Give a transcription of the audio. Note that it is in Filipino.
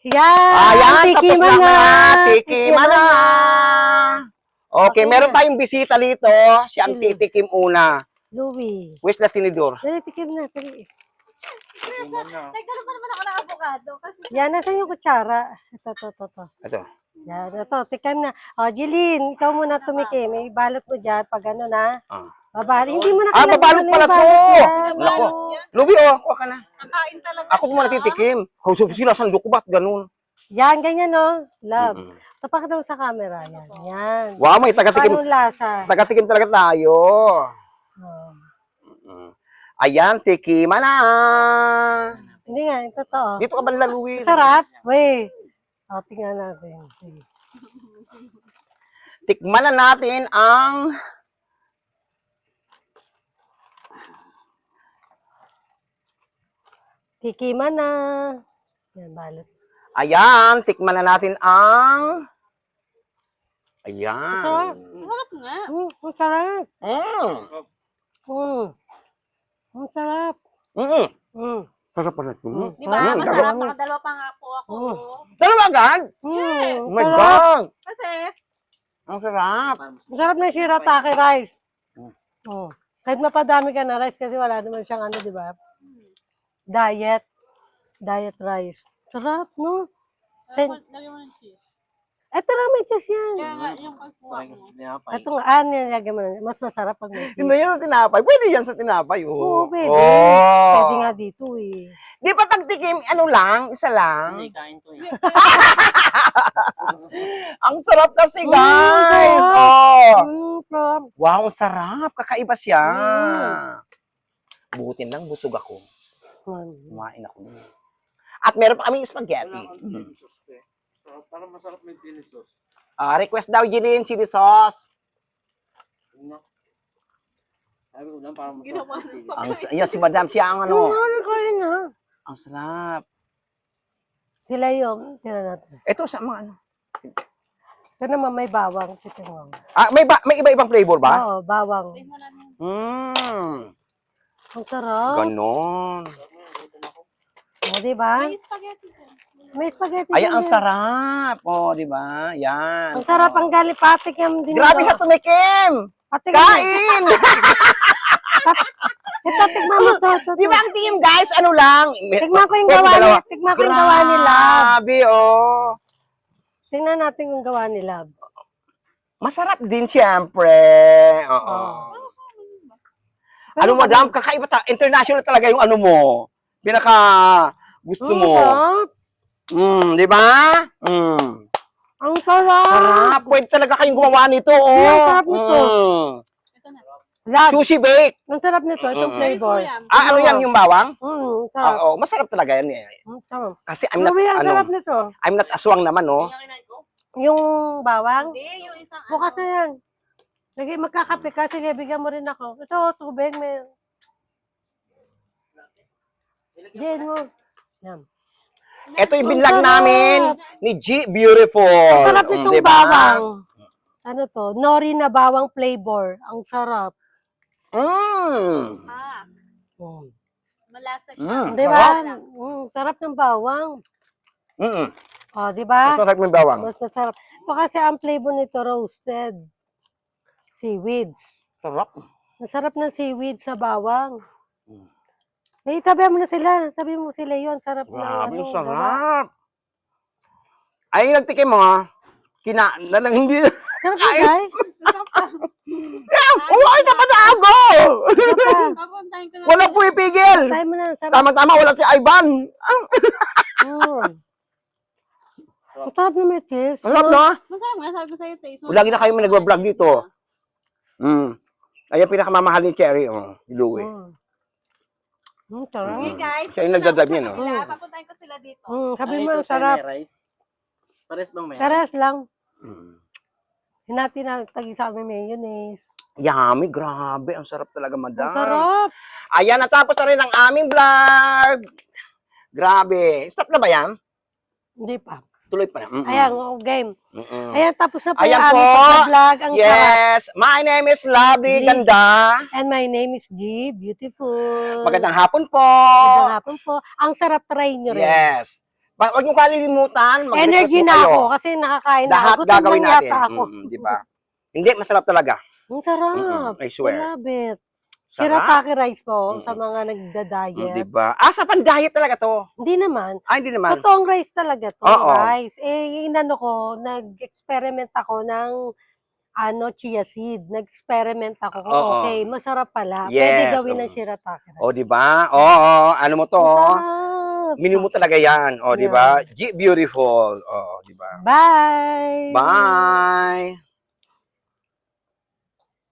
Yan! Ayan, tapos Tikiman na. Tikiman Tikiman na. Okay, Okay meron na. tayong bisita dito. Siya ang Sino? titikim una. Louie. Where's the tinidor? Dali, tikim na. Dali. Nagkaroon pa naman ako ng avocado. Kasi Yan, nasan yung kutsara? Ito. Ito. Yan, ito. Tikim na. O, Jeline, ikaw muna tumikim. May balot mo dyan pag ano na. Ah. Babali. Hindi mo na Ah, babalot pala to. Nako. Lubi, kuha ka na. kakain talaga Ako muna titikim. Kausap sila, saan lukubat, ganun. Yan, ganyan no. Love. Mm-mm. Tapakita mo sa camera. Yan. Yan. Wow, may tagatikim. Paano lasa? Tagatikim talaga tayo. Oh. Ayan, tikiman na. Hindi nga, ito to. Dito ka banda, Luis. Sarap. Wait. O, tingnan natin. Sige. Tikman na natin ang... Tikiman na. Yan, balot. Ayan, tikman na natin ang... Ayan. sarap nga. Ang sarap. Mm. Ang sarap. Mm. Mm. Sarap pala ito. Di ba? Masarap. Nakadalawa pa nga po ako. Sarap agad? Mm. Oh my Sarap. God. Kasi, Ang sarap. Ang sarap ng shirataki rice. Mm. Oh. Kahit mapadami ka na rice kasi wala naman siyang ano, di ba? Diet. Diet rice. Sarap, no? lagyan mo ng cheese. Eto lang, may cheese yan. Kaya nga, yung pagkuha mo. Ito nga, nilagyan mo na. Mas masarap pag may cheese. Hindi yan sa tinapay. Pwede yan sa tinapay. Oo, pwede. Oh. Pwede nga dito eh. Di ba pagtikim, ano lang, isa lang? Hindi, kain to eh. Ang sarap kasi, guys. sarap. Oh. Sarap. Wow, ang sarap. Kakaiba siya. Mm. Butin lang, busog ako. Mm. Kumain ako. At meron pa kami spaghetti. Parang masarap may chili sauce. Request daw, Jeline, chili sauce. Sabi ko lang, parang masarap Ginawa may chili. ng Ang, ayan, si Madam, siya ang ano. Ano kayo na? Ang sarap. Sila yung, tira natin. Ito sa mga ano. Ito naman may bawang. Chicken wang. May iba-ibang flavor ba? Oo, bawang. Ang sarap. Ganon. O, diba? May spaghetti ko. May spaghetti. Ay, din ang yan. sarap. O, di ba? Yan. Ang sarap ang galipatik yung din. Grabe siya tumikim. Patik. Kain! Ito, tignan mo to. Di ba ang team, guys? Ano lang? Tignan ko yung Pwede gawa dalawa. nila. Tignan ko yung gawa nila. Grabe, oh. Tingnan natin yung gawa nila. Masarap din, siyempre. Oo. Ano, madam? Kakaiba international talaga yung ano mo. Pinaka gusto mo. Di ba? Ang sarap. Sarap. Pwede talaga kayong gumawa nito, oh. Ang sarap nito. Ito na. Love. Sushi bake. Ang sarap nito. Itong flavor. Ano yan, yung bawang? Sarap. Oo, masarap talaga yan. Sarap. Kasi I'm not, Grabe, ang sarap nito. I'm not aswang naman, oh. Yung bawang. Hindi, yung isang Bukas na yan. Lagi magkakape ka. Sige, bigyan mo rin ako. Ito, tubig. May... Diyan mo. Yan. Ito yung Ang binlag sarap. namin ni G Beautiful. Ang sarap nitong Diba? bawang. Ano to? Nori na bawang flavor. Ang sarap. Ah, Mm. malasa siya. Di ba? Sarap ng bawang. O, di ba? Mas masarap yung bawang. Mas masarap. Ito kasi ang flavor nito roasted. Seaweeds. Sarap. Masarap ng seaweed sa bawang. Eh, tabi mo na sila. Sabi mo sila yun. Sarap na Grabe, ano. sarap. Ay, nagtikim mo, ha? Hindi. Sarap na, guys. Uy, dapat na ako! Papuntahin ko na. Wala po ipigil. Tayo mo na. Sarap. Tama-tama, wala si Ivan. Ang sarap na may cheese. Masarap, no? Masarap nga, sabi ko sa'yo, taste. Lagi na kayo may nagbablog dito. Ayan, pinakamamahal ni Cherry, ni Louie. Sarap. Okay, guys. Siya yung nagdadrive niya, no? Sila, papuntahin ko sila dito. Sabi mo, ang sarap. Pares bang may Taras lang. Hinati na tag-isa kami mayonnaise. Yummy, grabe. Ang sarap talaga, madam. Ang sarap. Ayan, natapos na rin ang aming vlog. Grabe. Stop na ba yan? Hindi pa. Tuloy pa na. Ayan, game. Ayan, tapos na po Ayan yung po. aming vlog. Ang sarap. Yes. My name is Lovely G. Ganda. And my name is G. Beautiful. Magandang hapon po. Magandang hapon po. Ang sarap, try nyo rin. Yes. Huwag nyo kalilimutan. mag-request Energy mo na kayo. ako kasi nakakain na Lahat ako. Gutom gagawin lang natin. yata ako. Di ba? Hindi, masarap talaga. Ang sarap. I swear. I love it. Sarap. Shirataki rice po sa Mm. mga nagda-diet. Di ba? Sa pan-diet talaga to. Hindi naman. Hindi naman. Totoong rice talaga to. Oo. Rice. Inano ko, nag-experiment ako ng chia seed. Nag-experiment ako. Oo. Okay, masarap pala. Yes, Pwede gawin ng shirataki rice. Di ba? Oo, ano mo to? Masarap. Menu mo talaga yan. Di ba? Beautiful. Di ba? Bye! Bye!